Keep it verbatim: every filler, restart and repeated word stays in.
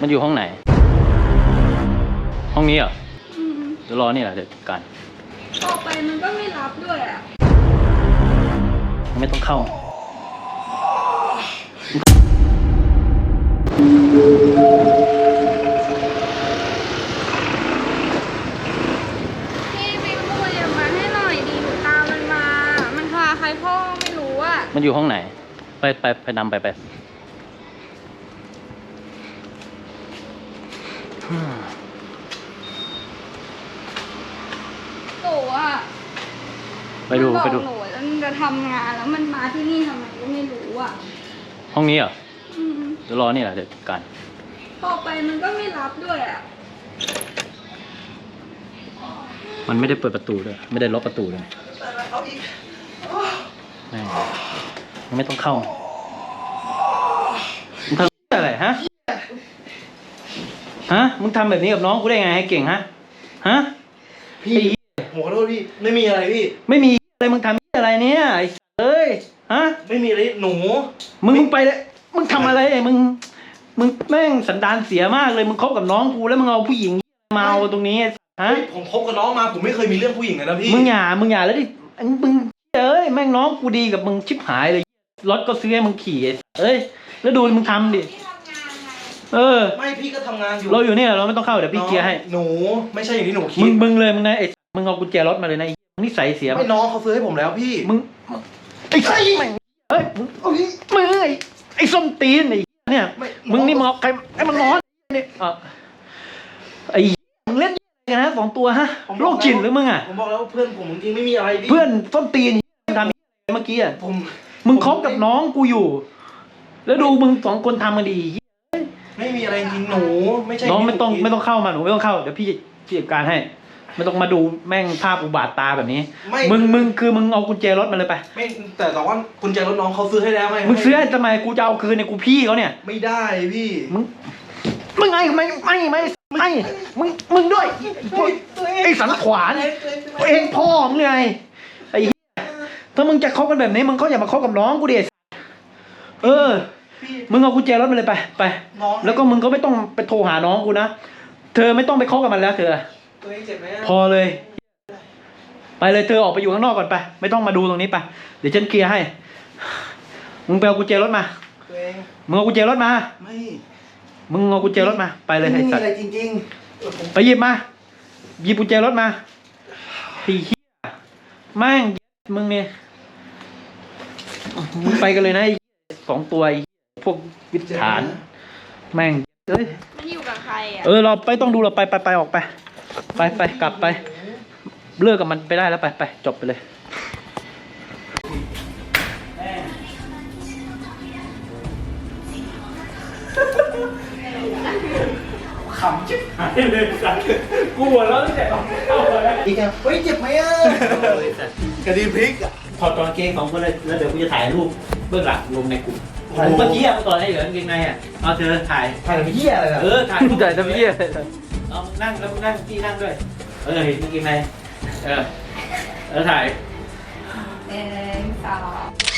มันอยู่ห้องไหนห้องนี้เหรอเดี๋ยวรอนี่แหละเดี๋ยวกันออกไปมันก็ไม่รับด้วยอ่ะไม่ต้องเข้าพี่ไปพูดอย่างมาให้หน่อยดีหนูตามมันมามันพาใครพ่อไม่รู้อ่ะมันอยู่ห้องไหนไปไปไปนำไปไปโตอ่ะไปดูไปดูหนูแล้วมันจะทำงานแล้วมันมาที่นี่ทำไมก็ไม่รู้อ่ะห้องนี้เหรอเดี๋ยวรอนี่แหละเดี๋ยวกันออกไปมันก็ไม่รับด้วยอ่ะมันไม่ได้เปิดประตูด้วยไม่ได้ล็อกประตูเลยไม่ไม่ต้องเข้ามึงทำอะไรฮะฮะมึงทำแบบนี้กับน้องกูได้ไงให้เก่งฮะฮะพี่ผมขอโทษพี่ไม่มีอะไรพี่ไม่มีอะไรมึงทำอะไรเนี่ยไอ้เอ้ยฮะไม่มีอะไรหนูมึงมึงไปเลยมึงทำอะไรมึงมึงแม่งสันดานเสียมากเลยมึงคบกับน้องกูแล้วมึงเอาผู้หญิงมาเอาตรงนี้ฮะผมคบกับน้องมาผมไม่เคยมีเรื่องผู้หญิงเลยนะพี่มึงอย่ามึงอย่าแล้วดิมึงเอ้ยแม่งน้องกูดีกับมึงชิบหายเลยรถก็ซื้อให้มึงขี่เอ้ยแล้วดูมึงทำดิเออไม่พี่ก็ทำงานอยู่เราอยู่นี่เราไม่ต้องเข้าเดี๋ยวพี่เคลียร์ให้หนูไม่ใช่อย่างที่หนูคิดมึงมึงเลยมึงนะไอ้มึงเอากุญแจรถมาเลยนะไอ้นิสัยเสียไม่น้องเขาซื้อให้ผมแล้วพี่มึงไอ้ไอ้เฮ้ยมึงมึงไอ้ไอ้ส้มตีนไอ้เนี่ยมึงนี่มองใครไอ้มันร้อนนี่อ่ะไอ้มึงเล่นกันนะสองตัวฮะโรคจิตหรือมึงอ่ะผมบอกแล้วเพื่อนผมจริงไม่มีอะไรพี่เพื่อนส้มตีนทำเมื่อกี้อ่ะผมมึงคบกับน้องกูอยู่แล้วดูมึงสองคนทำกันดีไม่มีอะไรจริงหนูไม่ใช่น้องไม่ต้องไม่ต้องเข้ามาหนูไม่ต้องเข้าเดี๋ยวพี่พี่จัดการให้ไม่ต้องมาดูแม่งภาพอุบาทตาแบบนี้มึงมึงคือมึงเอากุญแจรถมาเลยไปไม่แต่แต่ว่ากุญแจรถน้องเขาซื้อให้แล้วไงมึงซื้อให้ทำไมกูจะเอาคืนในกูพี่เขาเนี่ยไม่ได้พี่มึงมึงไงไม่ไม่ไม่ไม่มึงมึงด้วยไอ้สันขวานเองพ่อมึงไงไอ้ถ้ามึงจะคบกันแบบนี้มึงก็อย่ามาคบกับน้องกูดิเออมึงเอากุญแจรถมาเลยไปไปแล้วก็มึงก็ไม่ต้องไปโทรหาน้องกูนะเธอไม่ต้องไปคบกับมันแล้วเธอตัวเองเจ็บไหมพอเลยไปเลยเธอออกไปอยู่ข้างนอกก่อนไปไม่ต้องมาดูตรงนี้ไปเดี๋ยวฉันเคลียร์ให้มึงไปเอากุญแจรถมาตัวเองมึงเอากุญแจรถมาไม่มึงเอากุญแจรถมาไปเลยไม่มีอะไรจริงๆไปหยิบมาหยิบกุญแจรถมาไอ้เหี้ยแม่งมึงเนี่ยมึงไปกันเลยนะไอ้สองตัวไอ้พวกวิถฐานแม่งเอ้ยมันอยู่กับใครอ่ะเออเราไปต้องดูเราไปไปไปออกไปไปไปกลับไปเลิกกับมันไปได้แล้วไปไปจบไปเลยขำจิ๊บหายเลยสัตว์กูหัวเราะตั้งแต่ตอนเข้าเลยอีกอ่ะเฮ้ยเจ็บไหมอ่ะกระดิ่งพริกอ่ะถอดตอนเกงของกูเลยแล้วเดี๋ยวกูจะถ่ายรูปเบื้องหลังลงในกลุ่มผมเมื่อกี้อ่ะตอนให้เหลือเกงในอ่ะเอาเธอถ่ายถ่ายทำเหี้ยอะไรเออถ่ายถ่ายทำเหี้ยเอานั่งแล้วนั่งพี่นั่งด้วยเออเห็นเกงในเออเออถ่ายเอ็นสอง